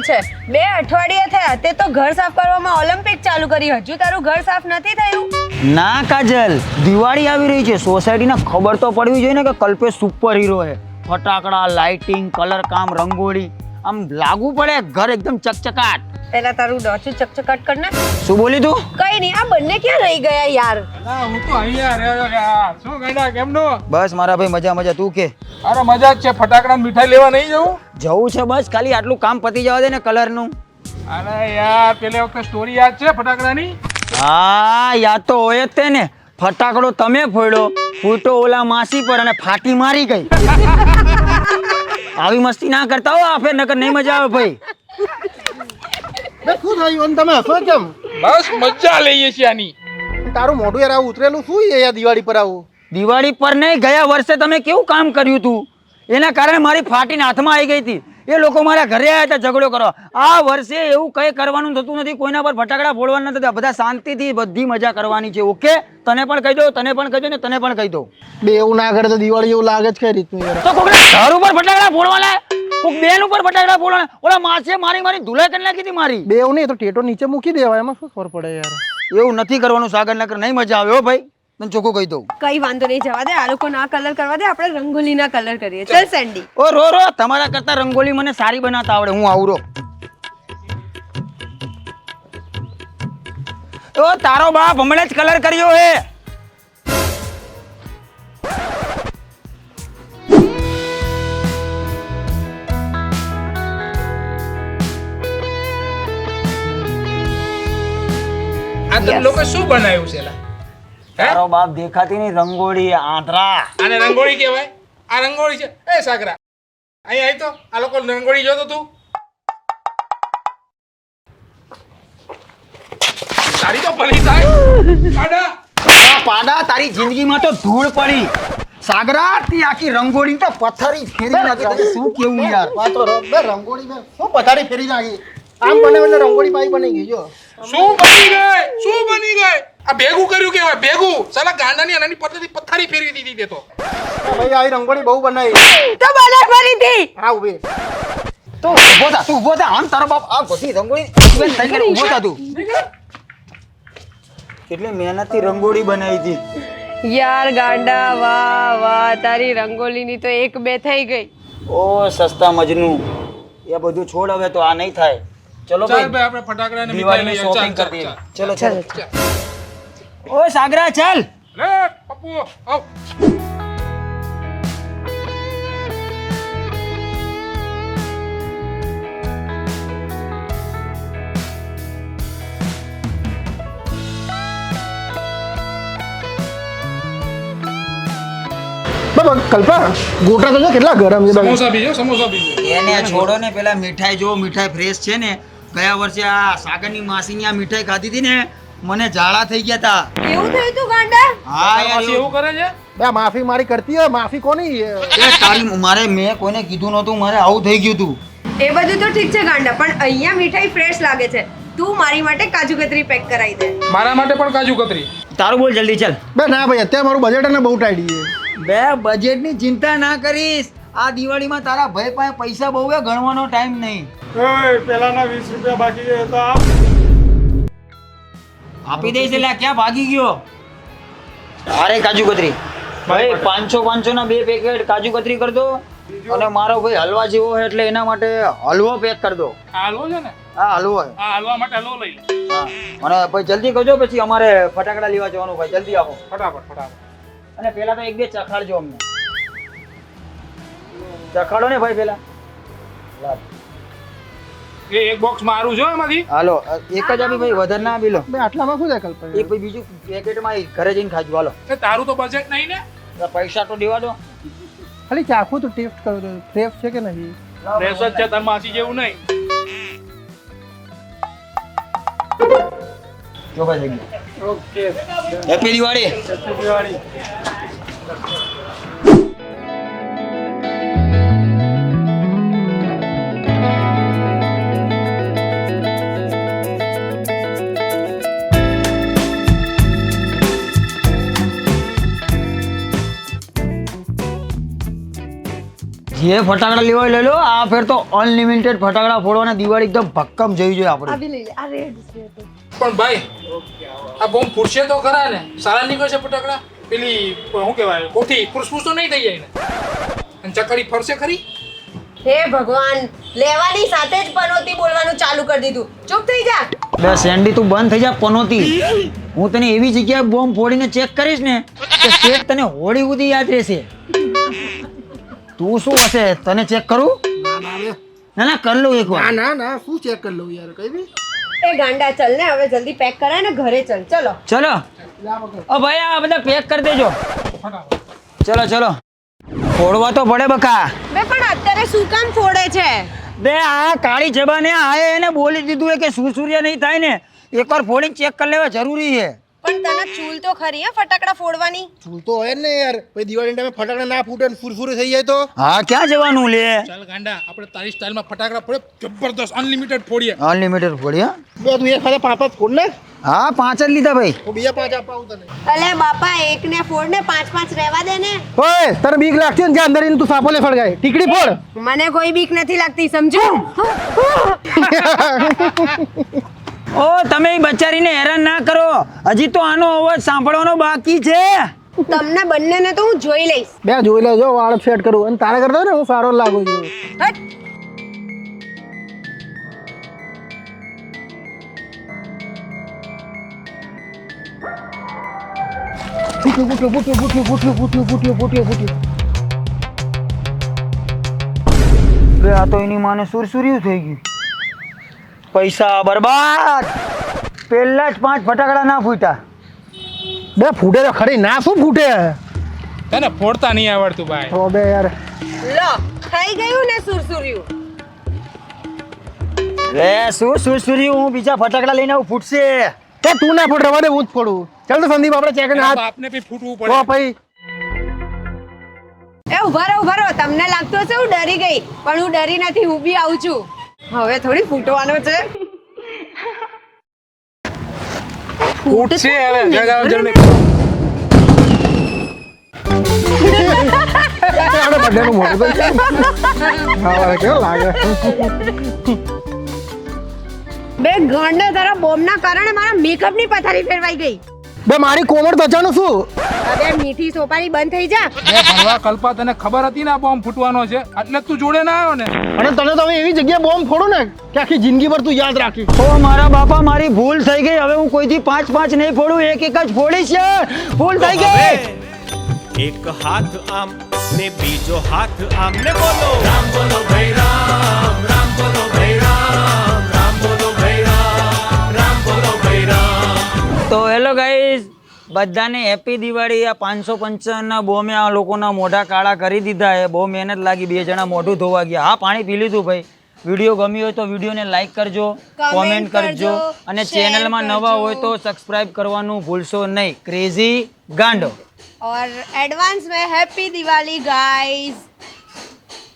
છે 2 અઠવાડિયા થયા તે તો ઘર સાફ કરવામાં ઓલિમ્પિક ચાલુ કરી હજુ તારું ઘર સાફ નથી થયું ના કાજલ, દિવાળી આવી રહી છે, સોસાયટીને ખબર તો પડવી જોઈએ ને કે કલ્પેશ સુપર હીરો છે. ફટાકડા, લાઇટિંગ, કલર કામ, રંગોળી, આમ લાગુ પડે ઘર એકદમ ચકચકાટ. પેલા તારું ડોચું ચકચકાટ કર ને. શું બોલી તું? કઈ નહીં, આ બંને ક્યાં રહી ગયા યાર? હું તો અહીંયા રહ્યો યાર. શું ગાડા કેમનો? બસ મારા ભાઈ મજા મજા, તું કે? અરે મજા જ છે. ફટાકડા મીઠાઈ લેવા નહીં જવું? જવું છે, બસ ખાલી આટલું કામ પતી જવા દે ને કલરનું. અરે યાર પેલે વખતે સ્ટોરી યાદ છે ફટાકડાની? હા યાદ તો હોય જ તે ને. ફટાકડો તમે ફોડ્યો, ફૂટો ઓલા માસી પર અને ફાટી મારી ગઈ. આવી મસ્તી ના કરતા હો આ ફેર, નકર નહીં મજા આવે ભાઈ. શું થયું તમે હસો કેમ? બસ મજા લઈએ છીએ આની. તારું મોઢું યાર આવું ઉતરેલું શું છે યાર દિવાળી પર આવું? દિવાળી પર નહીં, ગયા વર્ષે તમે કેવું કામ કર્યું હતું એના કારણે મારી ફાટીને હાથમાં આવી ગઈ હતી. એ લોકો મારા ઘરે આવ્યા હતા ઝઘડો કરવા. આ વર્ષે એવું કંઈ કરવાનું થતું નથી, કોઈના પર ફટાકડા ફોડવાના નથી, બધા શાંતિથી બધી મજા કરવાની છે. ઓકે, તને પણ કહી દો, તને પણ કહી દો ને તને પણ કહી દો. બે એવું ના કરે તો દિવાળી એવું લાગે જ કઈ રીતનું યાર. તો કોકના ઘર ઉપર ફટાકડા ફોડવાના, કોક બેન ઉપર ફટાકડા ફોડવાના. ઓલા માસે મારી ધુલાઈ કરી નાખી હતી મારી. બે એવું નહીં તો ટેટો નીચે મૂકી દેવાય, એમાં શું ખબર પડે યાર. એવું નથી કરવાનું સાગર, નકર નહીં મજા આવે હો ભાઈ, તને ચોખ્ખું કહી દઉં. કઈ વાંધો નહીં, જવા દે. આ લોકો ના કલર કરવા દે, આપણે રંગોલીના કલર કરીએ. ચલ સેન્ડી. ઓ રો રો, તમારા કરતા રંગોલી મને સારી બનાવતા આવડે, હું આવું રો. ઓ તારો બાપ હમણાં જ કલર કર્યો હે. આ તમે લોકો શું બનાવ્યું છે લા? તારો બાપ દેખાતી નહીં, રંગોળી આંધળા. આને રંગોળી કહેવાય? આ રંગોળી છે? એ સાગરા અહીં આવી તો આ લોકો રંગોળી જોતો તું. તારી તો ભલી થાય આડા. આ પાડા, તારી જિંદગીમાં તો ધૂળ પડી. સાગરા તી આખી રંગોળી તો પથ્થરી ફેરી નાખી. તને શું કેવું યાર? વાતો બે રંગોળી બે શું પથારી ફેરી નાખી. આમ બને એટલે રંગોળી પાઈ બની ગઈ જો. શું બની ગઈ? શું બની ગઈ? આ ભેગું કર્યું કેવાય? ભેગું સાલા ગાંડાની અનાની પથ્થરી ફેરવી દીધી તે તો. ભાઈ આ રંગોળી બહુ બનાવી. તો બને ફરીથી. હા ઉભી. તો ઊભો થા, તું ઊભો થા. આમ તારો બાપ આ બધી રંગોળી ઇવેન્ટ થઈ ગઈ. ઊભો થા તું. કેટલી મહેનતથી રંગોળી બનાવી હતી યાર ગાંડા, વાહ વાહ, તારી રંગોલીની તો 1-2 થઈ ગઈ. ઓ સસ્તા મજનુ, એ બધું છોડ, હવે તો આ નહીં થાય. ચલો ચાલ ભાઈ, ભાઈ આપણે ફટાકડા ને દિવાળીની મીઠાઈ શોપિંગ ચાલ, કરી દઈએ. ચાલ, ચલો ચલો. ઓય સાગરા ચાલ. લે પપ્પુ આવ. બાબા કલ્પા ગોટા તો જો કેટલા ગરમ છે. સમોસા બીજો, સમોસા બીજો. એને છોડો ને, પેલા મીઠાઈ જો, મીઠાઈ ફ્રેશ છે ને. ગયા વર્ષે આ સાગરની માસીની આ મીઠાઈ ખાધી હતી ને, મને ઝાડા થઈ ગયા હતા. કેવું થયું તું ગાંડા? હા યાર, પાછી એવું કરે છે? બે માફી મારી કરતી હોય, માફી કોની? મેં કોઈને કીધું નહોતું, મારે આવું થઈ ગયું હતું. એ બધું તો ઠીક છે ગાંડા, પણ અહીંયા મીઠાઈ ફ્રેશ લાગે છે. તું મારી માટે કાજુ કતરી પેક કરાવી દે. મારા માટે પણ કાજુ કતરી. તારું બોલ જલ્દી, ચાલ. બે ના ભાઈ અત્યારે મારું બજેટ ને બહુ ટાઈટ છે. બે બજેટની ચિંતા ના કરીશ. આ દિવાળીમાં તારા ભાઈ પાસે પૈસા બહુ છે, ગણવાનો ટાઈમ નહીં. પેલાના 20 રૂપિયા બાકી છે તો આપ. આપી દઈશ. એટલે આ ક્યાં ભાગી ગયો? અરે કાજુ કતરી ભાઈ, 500 ના 2 પેકેટ કાજુ કતરી કરી દો. અને મારો ભાઈ હલવા જેવો છે એટલે એના માટે હલવો પેક કરી દો. આ હલવો છે ને? હા હલવો છે. આ હલવા માટે હલવો લઈ લે. હા, અને ભાઈ જલ્દી કરજો, પછી અમારે ફટાકડા લેવા જવાનું. ભાઈ જલ્દી આવો. ફટાફટ. અને પેલા તો 1-2 ચખાડજો અમને. ચખાડો ને ભાઈ પેલા. એ એક બોક્સ મારું છે એમાંથી. હાલો, એક જ આપી ભાઈ, વધારે ના આપી લો. બે આટલામાં શું થાય કલ્પા? એક ભાઈ બીજું પેકેટમાં ઘરે જઈને ખાજો. હાલો, એ તારું તો બજેટ નહીં ને. પૈસા તો દેવા દો. ખાલી ચાખું તો ટેસ્ટ કરો તો ફ્રેશ છે કે નહીં. ફ્રેશ જ છે, તાર માસી જેવું નહીં. જો ભાઈ થઈ ગયું. ઓકે. હેપી દિવાળી. દિવાળી. જે ફટાકડા લેવા હોય લઈ લો. આ ફેર તો અનલિમિટેડ ફટાકડા ફોડવાના દિવાળી એકદમ ભક્કમ જવી જોઈએ આપણે. આવી લઈ લે આ રેડ છે તો. પણ ભાઈ આ બોમ્બ ફૂટશે તો ખરા ને? સારા નીકળશે ફટાકડા? પેલી શું કહેવાય કોઠી ફૂસફૂસ તો નહીં થઈ જાય ને? અને ચકડી ફરશે ખરી? હે ભગવાન, લેવાની સાથે જ પનોતી બોલવાનું ચાલુ કરી દીધું. ચૂપ થઈ જા. બે સેન્ડી તું બંધ થઈ જા પનોતી. હું તને એવી જગ્યાએ બોમ્બ ફોડીને ચેક કરીશ ને કે ચેક તને હોળી સુધી યાદ રહેશે. તું શું હશે તને ચેક કરું? ના ના કર લઉં એકવાર. ના ના ના શું ચેક કરી લઉં યાર કઈ બી. એ ગાંડા ચલ ને હવે જલ્દી પેક કરાય ને ઘરે ચલ. ચલો ચલો ઓ ભાઈ આ બધા પેક કરી દેજો. ચલો ચલો ફોડવા તો પડે બકા. બે પણ અત્યારે શું કામ ફોડે છે? બે આ કાળી જબાને આએ એને બોલી દીધું હે કે સુસુરિયા નહીં થાય ને એકવાર ફોડીને ચેક કરી લેવા જરૂરી છે. પણ તને ચૂલ તો ખરી હે ફટાકડા ફોડવાની. ચૂલ તો હોય જ ને યાર. પછી દિવાળી ટાઈમે ફટાકડા ના ફૂટે ને ફૂરફૂર થઈ જાય તો. હા ક્યાં જવાનું લે? ચાલ ગાંડા આપણે તારી સ્ટાઇલમાં ફટાકડા ફોડે જબરદસ્ત અનલિમિટેડ ફોડીએ. અનલિમિટેડ ફોડી હા. બે તું એક ખાતે 5 ફોડ ને. હા 5 જ લીધા ભાઈ. હું બીજા 5 આપવા આવું તને. અલે બાપા એક ને ફોડ ને 5 રહેવા દે ને. ઓય તને બીક લાગતી ને જ્યાં અંદર ઈને તું સાપો લે સળગાય. ટીકડી ફોડ. મને કોઈ બીક નથી લાગતી સમજો. ઓ તમે ઈ બચારીને હેરાન ના કરો. હજી તો આનો અવાજ સાંભળવાનો બાકી છે. તમને બંનેને તો હું જોઈ લઈશ. બે જોઈ લેજો વાળ સેટ કરું અને તારે કરતો ને હું સારો લાગુ છું. હટ. ફૂટ્યું. બે આ તો એની માને સુરસુર્યું થઈ ગયું. પૈસા બરબાદ. પહેલા જ 5 ફટાકડા ના ફૂટ્યા. બે ફૂટે તો ખરી ના શું ફૂટે. તને ફોડતા નહીં આવડતું ભાઈ. તો બે યાર લો થઈ ગયું ને સુરસુર્યું. રે શું સુરસુર્યું? હું બીજા ફટાકડા લઈને આવું ફૂટશે. તે તું ના ફોડ રવા દે હું જ ફોડું. ચાલ તો સંદીપ આપણે ચેક એના હાથ બાપને બી ફૂટવું તો પડે. ભાઈ એ ઉભા રહો. તમને લાગતું હશે હું ડરી ગઈ પણ હું ડરી નથી. હું બી આવું છું. હવે થોડી ફૂટવાનો છે. ફૂટશે હવે જગાવ જલ્દી. આપણે બધાનું મોઢું તો છે. હા કેવો લાગે. બે ગાંડા તારા બોમ્બના કારણે મારા મેકઅપની પથારી ફેરવાઈ ગઈ. બે મારી કોમર ત્વચાનું શું. હવે મીઠી સોપારી બંધ થઈ જા. એ ભણવા કલ્પા તને ખબર હતી ને આ બોમ્બ ફૂટવાનો છે એટલે જ તું જોડે ના આવ્યો ને. અને તને તો હવે એવી જગ્યાએ બોમ્બ ફોડું ને કે આખી જિંદગી ભર તું યાદ રાખી. ઓ મારા બાપા મારી ભૂલ થઈ ગઈ. હવે હું કોઈથી 5 નહીં ફોડું. એક જ ફોડીશ. ભૂલ થઈ ગઈ. એક હાથ આમ ને બીજો હાથ આમ ને બોલો રામ બોલો ભાઈ રામ રામ બોલો ભાઈ રામ રામ બોલો ભાઈ રામ રામ બોલો ભાઈ રામ. તો હેલો ગાઈઝ બધાને હેપી દિવાળી. આ 555 ના બોમે આ લોકોના મોઢા કાળા કરી દીધા છે. બહુ મહેનત લાગી. 2 જણા મોઢું ધોવા ગયા. હા પાણી પી લીધું ભાઈ. વિડીયો ગમ્યો હોય તો વિડીયોને લાઈક કરજો, કોમેન્ટ કરજો અને ચેનલમાં નવા હોય તો સબસ્ક્રાઇબ કરવાનું ભૂલશો નહીં. ક્રેઝી ગાંડો. और एडवांस में हैप्पी दिवाली गाइस.